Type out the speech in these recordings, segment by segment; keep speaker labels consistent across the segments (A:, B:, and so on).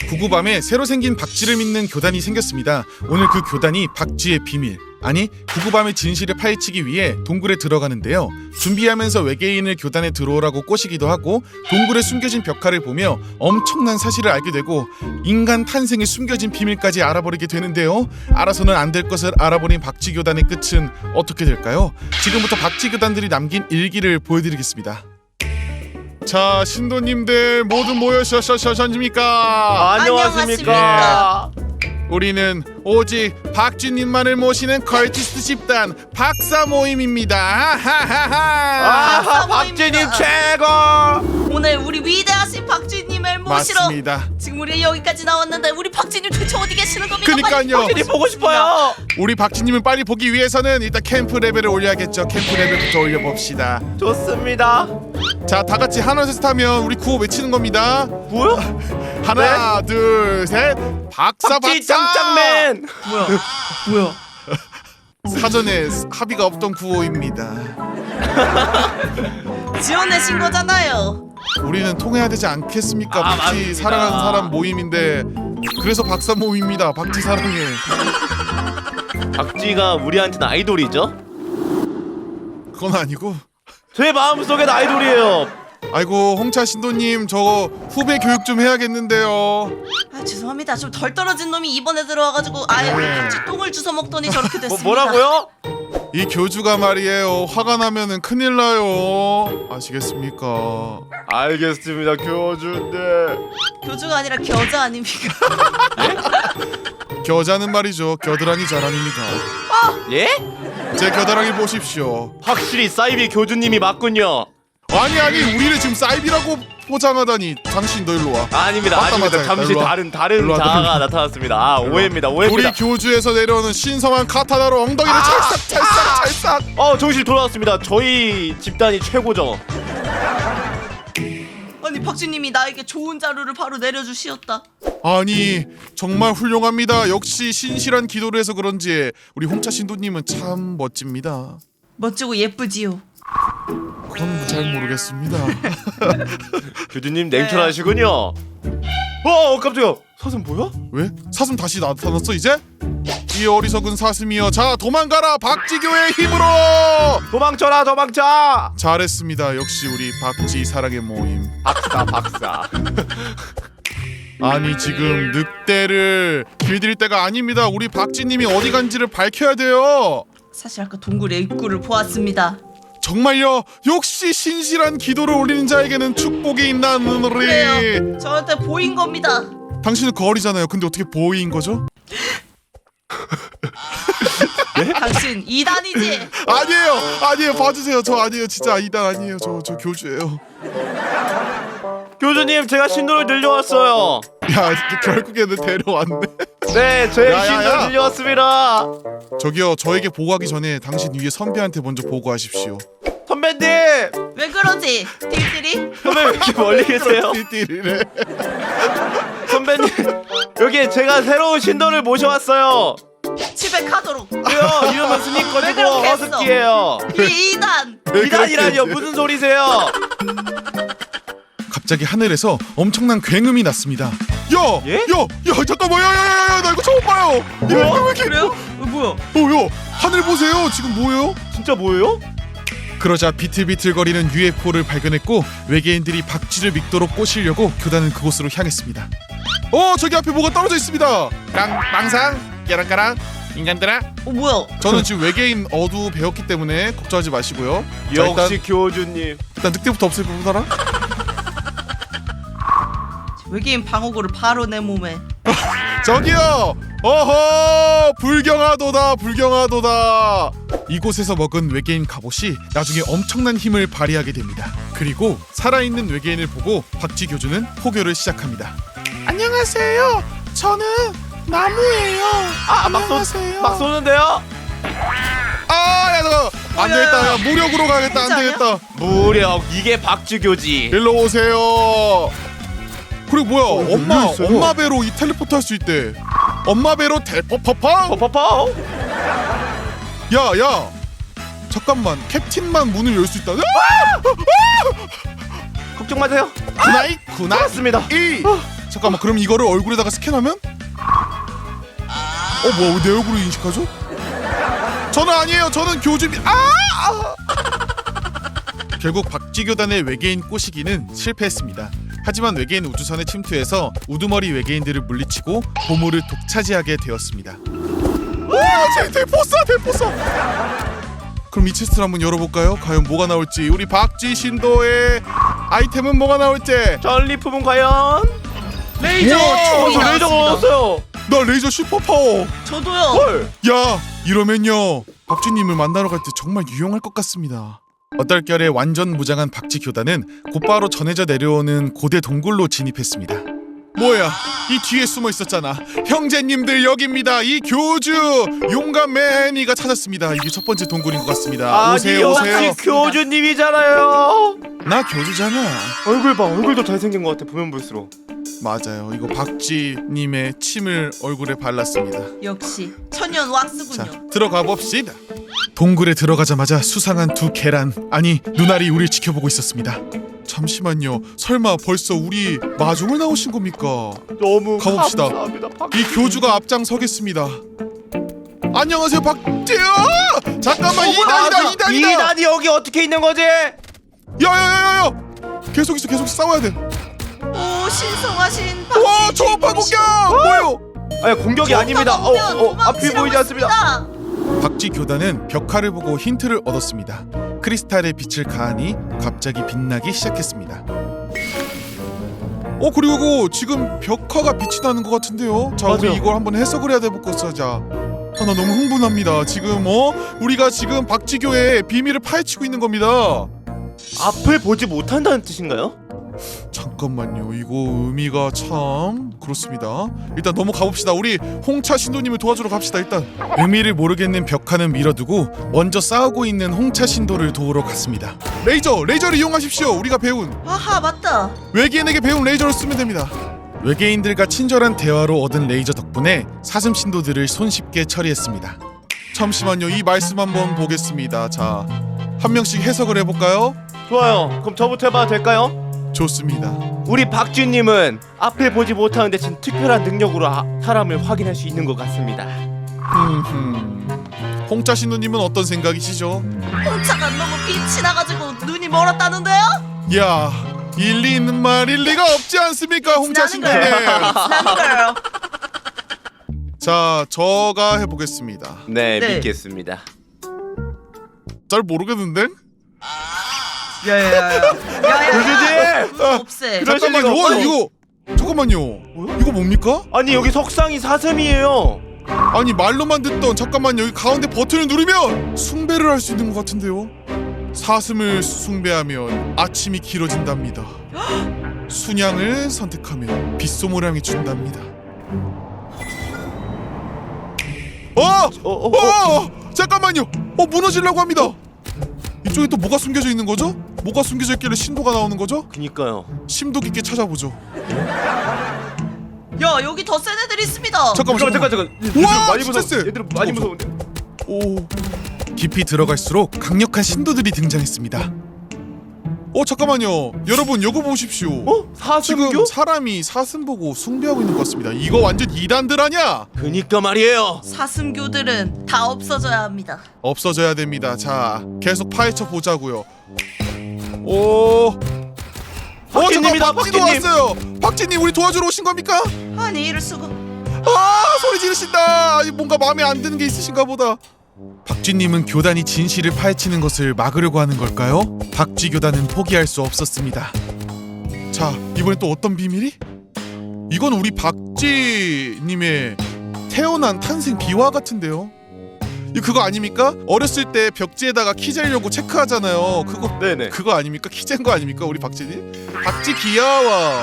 A: 구구밤에 새로 생긴 박쥐를 믿는 교단이 생겼습니다. 오늘 그 교단이 박쥐의 비밀, 아니 구구밤의 진실을 파헤치기 위해 동굴에 들어가는데요. 준비하면서 외계인을 교단에 들어오라고 꼬시기도 하고 동굴에 숨겨진 벽화를 보며 엄청난 사실을 알게 되고 인간 탄생의 숨겨진 비밀까지 알아버리게 되는데요. 알아서는 안 될 것을 알아버린 박쥐 교단의 끝은 어떻게 될까요? 지금부터 박쥐 교단들이 남긴 일기를 보여드리겠습니다. 자, 신도님들 모두 모여셨습니까?
B: 안녕하십니까.
A: 우리는 오직 박쥐님만을 모시는 컬티스트 집단 박사 모임입니다.
B: 아하, 박쥐님 최고.
C: 오늘 우리 위대하신 박쥐님을 모시러
A: 맞습니다.
C: 지금 우리 여기까지 나왔는데 우리 박쥐님 대체 어디 계시는 겁니까?
A: 그니까요.
B: 박쥐님 보고 싶어요.
A: 우리 박쥐님을 빨리 보기 위해서는 일단 캠프 레벨을 올려야겠죠. 캠프 레벨부터 올려봅시다.
B: 좋습니다.
A: 자, 다 같이 하나 셋 하면 우리 구호 외치는 겁니다.
B: 뭐야?
A: 하나 둘 셋. 박사
B: 박쥐
A: 박사.
B: 짱짱맨. 뭐야?
A: 사전에 합의가 없던 구호입니다.
C: 지어내신 거잖아요.
A: 우리는 통해야 되지 않겠습니까? 박쥐
B: 맞습니다.
A: 사랑하는 사람 모임인데 그래서 박사 모임입니다. 박쥐 사랑해.
B: 박쥐가 우리한테는 아이돌이죠?
A: 그건 아니고.
B: 제 마음속엔 아이돌이에요.
A: 아이고 홍차 신도님 저 후배 교육 좀 해야겠는데요.
C: 아 죄송합니다. 좀 덜 떨어진 놈이 이번에 들어와가지고 아예 우리 박쥐 똥을 주워 먹더니 저렇게 됐습니다.
B: 뭐라고요?
A: 이 교주가 말이에요. 화가 나면은 큰일 나요. 아시겠습니까?
B: 알겠습니다, 교주인데.
C: 교주가 아니라 겨자 아닙니까?
A: 겨자는 말이죠. 겨드랑이 자랑입니다.
B: 예?
A: 제 겨드랑이 보십시오.
B: 확실히 사이비 교주님이 맞군요.
A: 아니 우리를 지금 사이비라고 포장하다니. 당신 너 일로 와.
B: 아닙니다.
A: 맞다,
B: 아닙니다.
A: 맞다.
B: 잠시
A: 일로 와.
B: 다른
A: 일로 와,
B: 자아가
A: 일로 와.
B: 나타났습니다. 아, 오해입니다.
A: 우리
B: 오해입니다.
A: 교주에서 내려오는 신성한 카타나로 엉덩이를 찰싹.
B: 정신 돌아왔습니다. 저희 집단이 최고죠.
C: 아니 박쥐님이 나에게 좋은 자료를 바로 내려주시었다.
A: 아니 정말 훌륭합니다. 역시 신실한 기도를 해서 그런지 우리 홍차 신도님은 참 멋집니다.
C: 멋지고 예쁘지요.
A: 그건 잘 모르겠습니다.
B: 교주님 냉철하시군요. 깜짝이야. 사슴 뭐야?
A: 왜? 사슴 다시 나타났어 이제? 이 어리석은 사슴이여, 자 도망가라 박쥐교의 힘으로!
B: 도망쳐라, 도망쳐.
A: 잘했습니다. 역시 우리 박쥐 사랑의 모임.
B: 박사.
A: 아니 지금 늑대를 길들일 때가 아닙니다. 우리 박쥐님이 어디 간지를 밝혀야 돼요.
C: 사실 아까 동굴의 입구를 보았습니다.
A: 정말요? 역시 신실한 기도를 올리는 자에게는 축복이 있나는 우리.
C: 그래요. 저한테 보인 겁니다.
A: 당신은 거울이잖아요. 근데 어떻게 보인 거죠?
C: 당신 이단이지?
A: 아니에요. 봐주세요. 저 아니에요. 진짜 이단 아니에요. 저 교주예요.
B: 교주님, 제가 신도를 늘려왔어요.
A: 야, 결국에는 데려왔네.
B: 네, 제
A: 야.
B: 신도를 늘려왔습니다.
A: 저기요, 저에게 보고하기 전에 당신 위에 선배한테 먼저 보고하십시오.
B: 선배님!
C: 왜 그러지? 딜딜이?
B: 선배 왜 이렇게 멀리 계세요?
A: 띠띠리래.
B: 선배님, 여기 제가 새로운 신도를 모셔왔어요.
C: 집에 가도록.
B: 왜요? 이름은 스니커지고
C: 왜 그렇게 했어?
B: 허스키예요.
C: 이 이단.
B: 이단이라니요? 무슨 소리세요?
A: 갑자기 하늘에서 엄청난 굉음이 났습니다.
B: 예?
A: 잠깐만, 야, 나 이거 처음 봐요. 이거 왜 이렇게?
C: 그래요? 뭐야?
A: 야, 하늘 보세요. 지금 뭐예요?
B: 진짜 뭐예요?
A: 그러자 비틀비틀거리는 UFO를 발견했고 외계인들이 박쥐를 믿도록 꼬시려고 교단은 그곳으로 향했습니다. 저기 앞에 뭐가 떨어져 있습니다. 망상, 깨랑까랑, 인간들아.
C: 뭐야?
A: 저는 지금 외계인 어두 배웠기 때문에 걱정하지 마시고요. 자,
B: 역시 교주님.
A: 일단 늑대부터 없애보더라.
C: 외계인 방어구를 바로 내 몸에.
A: 저기요. 불경하도다. 이곳에서 먹은 외계인 갑옷이 나중에 엄청난 힘을 발휘하게 됩니다. 그리고 살아있는 외계인을 보고 박쥐 교주는 포교를 시작합니다. 안녕하세요. 저는 나무예요. 안녕하세요.
B: 막 쏘는데요?
A: 야, 너 안 되겠다. 야, 무력으로 가겠다. 안 되겠다.
B: 무력, 이게 박쥐교지.
A: 일로 오세요. 그리고 뭐야?
B: 있어요?
A: 엄마 배로 이 텔레포트 할 수 있대. 엄마 배로 텔포퍼펑.
B: 퍼퍼퍼.
A: 야, 잠깐만. 캡틴만 문을 열 수 있다.
B: 걱정 마세요.
A: 구나이
B: 맞습니다.
A: 이 잠깐만, 그럼 이거를 얼굴에다가 스캔하면? 뭐야, 내 얼굴을 인식하죠? 저는 아니에요. 저는 교주비. 결국 박쥐교단의 외계인 꼬시기는 실패했습니다. 하지만 외계인 우주선에 침투해서 우두머리 외계인들을 물리치고 보물을 독차지하게 되었습니다. 대포사. 그럼 이 체스트를 한번 열어볼까요? 과연 뭐가 나올지. 우리 박쥐 신도의 아이템은 뭐가 나올지.
B: 전리품은 과연 레이저.
C: 총이
B: 저 레이저가
C: 나왔습니다.
B: 얻었어요.
A: 나 레이저 슈퍼파워.
C: 저도요.
B: 헐.
A: 야, 이러면요 박쥐님을 만나러 갈 때 정말 유용할 것 같습니다. 어떨결에 완전 무장한 박쥐 교단은 곧바로 전해져 내려오는 고대 동굴로 진입했습니다. 뭐야, 이 뒤에 숨어 있었잖아. 형제님들 여기입니다. 이 교주 용감 매니가 찾았습니다. 이게 첫 번째 동굴인 것 같습니다. 오세요.
B: 역시 교주님이잖아요.
A: 나 교주잖아.
B: 얼굴 봐. 얼굴도 잘생긴 것 같아. 보면 볼수록.
A: 맞아요. 이거 박쥐님의 침을 얼굴에 발랐습니다.
C: 역시 천연 왁스군요.
A: 자, 들어가 봅시다. 동굴에 들어가자마자 수상한 두 계란, 아니 눈알이 우리를 지켜보고 있었습니다. 잠시만요. 설마 벌써 우리 마중을 나오신 겁니까?
B: 너무
A: 가봅시다.
B: 감사합니다.
A: 이 교주가 앞장서겠습니다. 안녕하세요, 박쥐야! 잠깐만, 이단이다.
B: 2단이 여기 어떻게 있는 거지?
A: 야야야야야! 계속 있어, 싸워야 돼.
C: 오, 신성하신
A: 와,
C: 박쥐
A: 초음파 공격!
C: 주인공이시군요.
A: 뭐요?
B: 아니 공격이 아닙니다. 앞이 보이지 않습니다.
A: 박쥐 교단은 벽화를 보고 힌트를 얻었습니다. 크리스탈의 빛을 가하니 갑자기 빛나기 시작했습니다. 그리고 지금 벽화가 빛이 나는 것 같은데요. 자,
B: 맞아요.
A: 우리 이걸 한번 해석을 해야 될 것 같자. 나 너무 흥분합니다. 지금 우리가 지금 박쥐교의 비밀을 파헤치고 있는 겁니다.
B: 앞을 보지 못한다는 뜻인가요?
A: 잠깐만요. 이거 의미가 참 그렇습니다. 일단 넘어가 봅시다. 우리 홍차 신도님을 도와주러 갑시다. 일단 의미를 모르겠는 벽화는 밀어두고 먼저 싸우고 있는 홍차 신도를 도우러 갔습니다. 레이저를 이용하십시오. 우리가 배운
C: 아하, 맞다.
A: 외계인에게 배운 레이저를 쓰면 됩니다. 외계인들과 친절한 대화로 얻은 레이저 덕분에 사슴 신도들을 손쉽게 처리했습니다. 잠시만요. 이 말씀 한번 보겠습니다. 자, 한 명씩 해석을 해볼까요?
B: 좋아요. 그럼 저부터 해봐도 될까요?
A: 좋습니다.
B: 우리 박쥐님은 앞을 보지 못하는 대신 특별한 능력으로 사람을 확인할 수 있는 것 같습니다.
A: 홍차 신도님은 어떤 생각이시죠?
C: 홍차가 너무 빛이 나가지고 눈이 멀었다는데요?
A: 야, 일리 있는 말일 리가 없지 않습니까, 홍차 신도님?
C: 나는 걸.
A: 자, 저가 해보겠습니다.
B: 네,
C: 네.
B: 믿겠습니다.
A: 잘 모르겠는데?
C: 야야야야.
B: 교주님!
C: 없애.
B: 그럴
A: 잠깐만요.
B: 리가 없어요.
A: 이거 잠깐만요. 이거 뭡니까?
B: 아니 여기 석상이 사슴이에요.
A: 아니 말로만 듣던, 잠깐만요. 여기 가운데 버튼을 누르면 숭배를 할 수 있는 것 같은데요. 사슴을 숭배하면 아침이 길어진답니다. 순양을 선택하면 빗소모량이 준답니다. 잠깐만요. 무너지려고 합니다. 이쪽에 또 뭐가 숨겨져 있는 거죠? 뭐가 숨겨져 있길래 신도가 나오는 거죠?
B: 그니까요.
A: 심도 깊게 찾아보죠.
C: 야, 여기 더 센 애들 있습니다.
A: 잠깐.
B: 얘들 많이
A: 진짜 세.
B: 무서워. 얘들 많이 무서운데.
A: 오. 깊이 들어갈수록 강력한 신도들이 등장했습니다. 잠깐만요. 여러분, 요거 보십시오.
B: 사슴교?
A: 지금 사람이 사슴 보고 숭배하고 있는 것 같습니다. 이거 완전 이단들 아냐?
B: 그니까 말이에요.
C: 사슴교들은 다 없어져야 합니다.
A: 없어져야 됩니다. 자, 계속 파헤쳐 보자고요. 오.
B: 박쥐님이다,
A: 잠깐, 박쥐도
B: 박쥐님.
A: 왔어요. 박쥐님, 우리 도와주러 오신 겁니까?
C: 아니, 이럴 수가.
A: 소리 지르신다. 뭔가 마음에 안 드는 게 있으신가 보다. 박쥐님은 교단이 진실을 파헤치는 것을 막으려고 하는 걸까요? 박쥐 교단은 포기할 수 없었습니다. 자, 이번엔 또 어떤 비밀이? 이건 우리 박쥐님의 태어난 탄생 비화 같은데요. 이거 그거 아닙니까? 어렸을 때 벽지에다가 키 재려고 체크하잖아요.
B: 네네.
A: 그거 아닙니까? 키 잰 거 아닙니까? 우리 박쥐님? 박쥐 귀여워.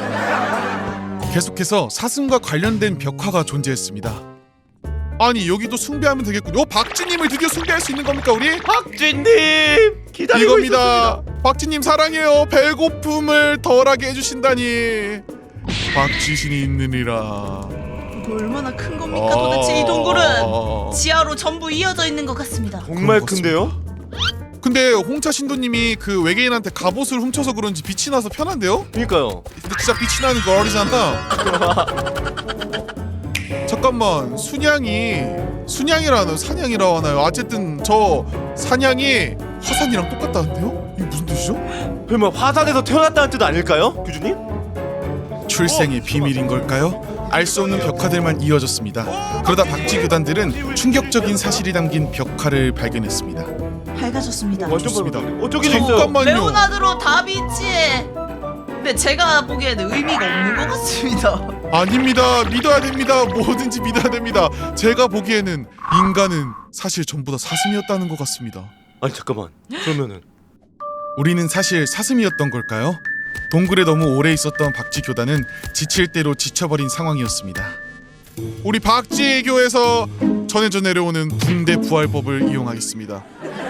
A: 계속해서 사슴과 관련된 벽화가 존재했습니다. 아니, 여기도 숭배하면 되겠군요. 박쥐님을 드디어 숭배할 수 있는 겁니까, 우리?
B: 박쥐님 기다리고
A: 이겁니다.
B: 있었습니다.
A: 박쥐님 사랑해요. 배고픔을 덜하게 해주신다니. 박쥐신이 있느니라.
C: 이거 얼마나 큰 겁니까 도대체 이 동굴은? 지하로 전부 이어져 있는 것 같습니다.
B: 정말
A: 그런 것
B: 큰데요?
A: 근데 홍차 신도님이 그 외계인한테 갑옷을 훔쳐서 그런지 빛이 나서 편한데요?
B: 그니까요.
A: 근데 진짜 빛이 나는 걸이잖아. 잠깐만, 순양이라는 사냥이라고 하나요? 어쨌든 저 사냥이 화산이랑 똑같다는데요? 이게 무슨 뜻이죠?
B: 설마 화산에서 태어났다는 뜻 아닐까요, 교주님?
A: 출생의 비밀인 걸까요? 알 수 없는 벽화들만 이어졌습니다. 그러다 박쥐 교단들은 충격적인 사실이 담긴 벽화를 발견했습니다.
C: 밝아졌습니다.
B: 완전
A: 좋습니다.
B: 밝았네. 어쩌긴 있어요.
A: 잠깐만요.
C: 레오나르도 다빈치의 근데 제가 보기에는 의미가 없는 것 같습니다.
A: 아닙니다. 믿어야 됩니다. 뭐든지 믿어야 됩니다. 제가 보기에는 인간은 사실 전부 다 사슴이었다는 것 같습니다.
B: 아니 잠깐만. 그러면은
A: 우리는 사실 사슴이었던 걸까요? 동굴에 너무 오래 있었던 박쥐 교단은 지칠 대로 지쳐버린 상황이었습니다. 우리 박쥐교에서 전해져 내려오는 붕대 부활법을 이용하겠습니다.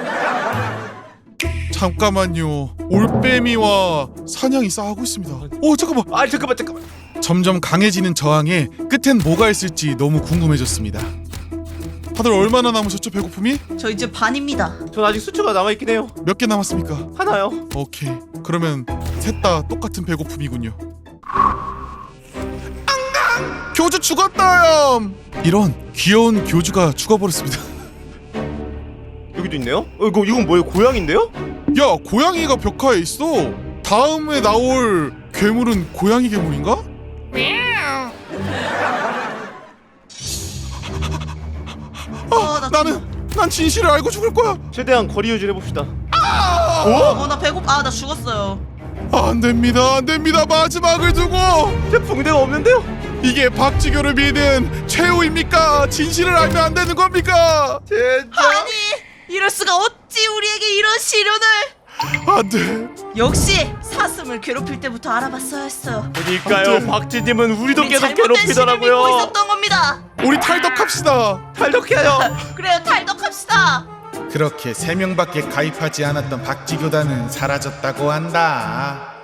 A: 잠깐만요. 올빼미와 사냥이 싸우고 있습니다. 잠깐만.
B: 아니 잠깐만.
A: 점점 강해지는 저항에 끝엔 뭐가 있을지 너무 궁금해졌습니다. 다들 얼마나 남으셨죠, 배고픔이?
C: 저 이제 반입니다.
B: 전 아직 수초가 남아 있긴 해요.
A: 몇 개 남았습니까?
B: 하나요.
A: 오케이. 그러면 셋 다 똑같은 배고픔이군요. 앙강! 교주 죽었다요. 이런 귀여운 교주가 죽어버렸습니다.
B: 여기도 있네요. 이건 뭐예요? 고양인데요?
A: 야, 고양이가 벽화에 있어. 다음에 나올 괴물은 고양이 괴물인가? 난 진실을 알고 죽을 거야.
B: 최대한 거리 유지를 해봅시다.
C: 나 배고파. 나 죽었어요.
A: 안 됩니다, 안 됩니다. 마지막을 두고.
B: 제 붕대가 없는데요?
A: 이게 박쥐교를 믿은 최후입니까? 진실을 알면 안 되는 겁니까?
B: 진짜.
C: 아니 이럴 수가 어찌 우리에게 이런 시련을.
A: 안 돼.
C: 역시 사슴을 괴롭힐 때부터 알아봤어야 했어요.
B: 그러니까요.
A: 안 돼.
B: 박쥐님은 우리도
C: 우리
B: 계속
C: 잘못된 신을 믿고
B: 괴롭히더라고요.
C: 있었던 겁니다.
A: 우리 탈덕합시다.
B: 탈덕해요.
C: 그래요, 탈덕합시다.
A: 그렇게 3명밖에 가입하지 않았던 박쥐교단은 사라졌다고 한다.